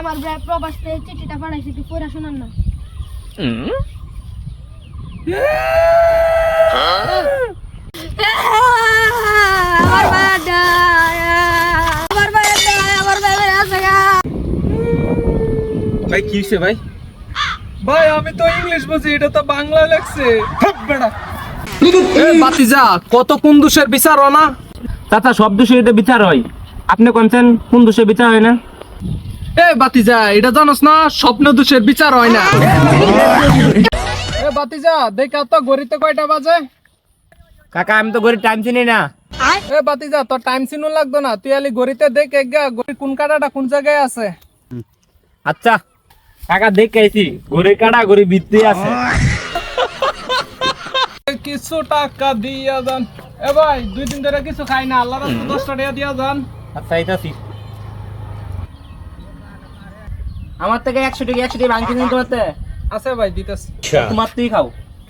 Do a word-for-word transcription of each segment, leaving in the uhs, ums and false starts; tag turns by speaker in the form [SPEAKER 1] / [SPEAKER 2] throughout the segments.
[SPEAKER 1] আমার ভাই প্রবাস থেকে চিঠিটা পাঠাইছি, তুই পড়া শোনান না। আমার ভাইটা আমার ভাইটা আমার ভাই আছে গা।
[SPEAKER 2] ভাই কি হইছে ভাই? ভাই আমি তো ইংলিশ বুঝি, এটা তো বাংলা লাগছে। বেড়া এ বাতিজা, কত কোন দোষের বিচার হয় না?
[SPEAKER 3] চাচা সব দোষে এটা বিচার হয়, আপনি কোনছেন কোন দোষে বিচার হয় না?
[SPEAKER 2] এ বাতিজা, এটা জানোস না স্বপ্ন দোষের বিচার হয় না। এ বাতিজা, দেখা তো ঘড়িতে কয়টা বাজে?
[SPEAKER 3] কাকা আমি তো ঘড়ি টাইম চিনি না।
[SPEAKER 2] এ বাতিজা, তোর টাইম চিনু লাগতো না, তুই আলি ঘড়িতে দেখ একগা ঘড়ি কোন কাটাটা কোন জায়গায় আছে।
[SPEAKER 3] আচ্ছা কাকা দেখে আইছি, ঘড়ি কাটা ঘড়ি ভিত্তি আছে।
[SPEAKER 2] কিছু টাকা দিয়া যান। এ ভাই দুই দিন ধরে কিছু খাই না, আল্লাহ রাস্তা দশটা টাকা দিয়া যান।
[SPEAKER 3] আচ্ছা এইটাছি আমার থেকে একশো টাকা একশো টাকা ভাঙছি তোমার থেকে।
[SPEAKER 2] আছে ভাই দিতেছি।
[SPEAKER 3] তোমার তুই খাও।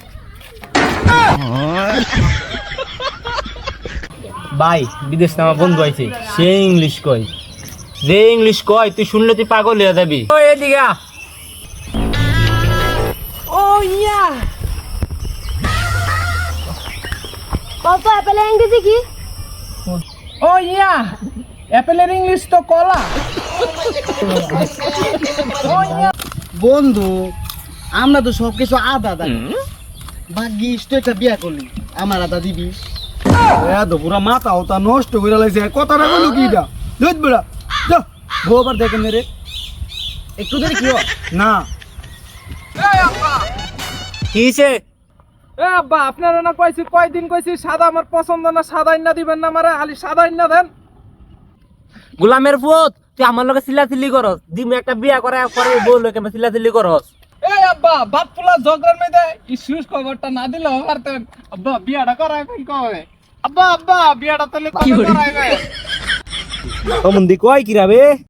[SPEAKER 3] ভাই বিদেশ থেকে আমার বন্ধু আইছে, সে ইংলিশ কয়, যে ইংলিশ কয় তুই শুনলে তুই পাগল হয়ে যাবি। ওই এদিকে আ।
[SPEAKER 1] ও ইয়া পাপা পেলে ইংরেজি কি?
[SPEAKER 2] ও ইয়া, অ্যাপেলের ইংলিশ তো কলা।
[SPEAKER 4] বন্ধু আমরা তো সবকিছু আদা আদা ভাগ্যিস তো একটা বিয়া করলি, আমার আদা দিবি।
[SPEAKER 5] এত পুরা মাথা ওটা নষ্ট করে লাগছে, কথাটা বলো কি এটা দুধ বেড়া যা গোবার দেখেন রে
[SPEAKER 4] একটু দেরি কি হয়?
[SPEAKER 5] না
[SPEAKER 3] কিছে
[SPEAKER 2] এ আব্বা, আপনারা না কইছি কয়দিন কইছি সাদা আমার পছন্দ না, সাদা ইন্না দিবেন না আমারে, খালি সাদা ইন্না দেন।
[SPEAKER 3] গোলামের পুত তুই আমার লগে চিল্লাচিল্লি করস, দিমু একটা বিয়া করে পরে বউ লগে চিল্লাচিল্লি করস।
[SPEAKER 2] এই আব্বা, বাপ ফুলা ঝগড়ার মধ্যে ইস্যুস খবরটা না দিলেও পারতেন। আব্বা বিয়াটা করাইবেন কবে? আব্বা আব্বা বিয়াটা তাহলে কবে করাইবেন?
[SPEAKER 3] অমন দি কয় কি রাবে?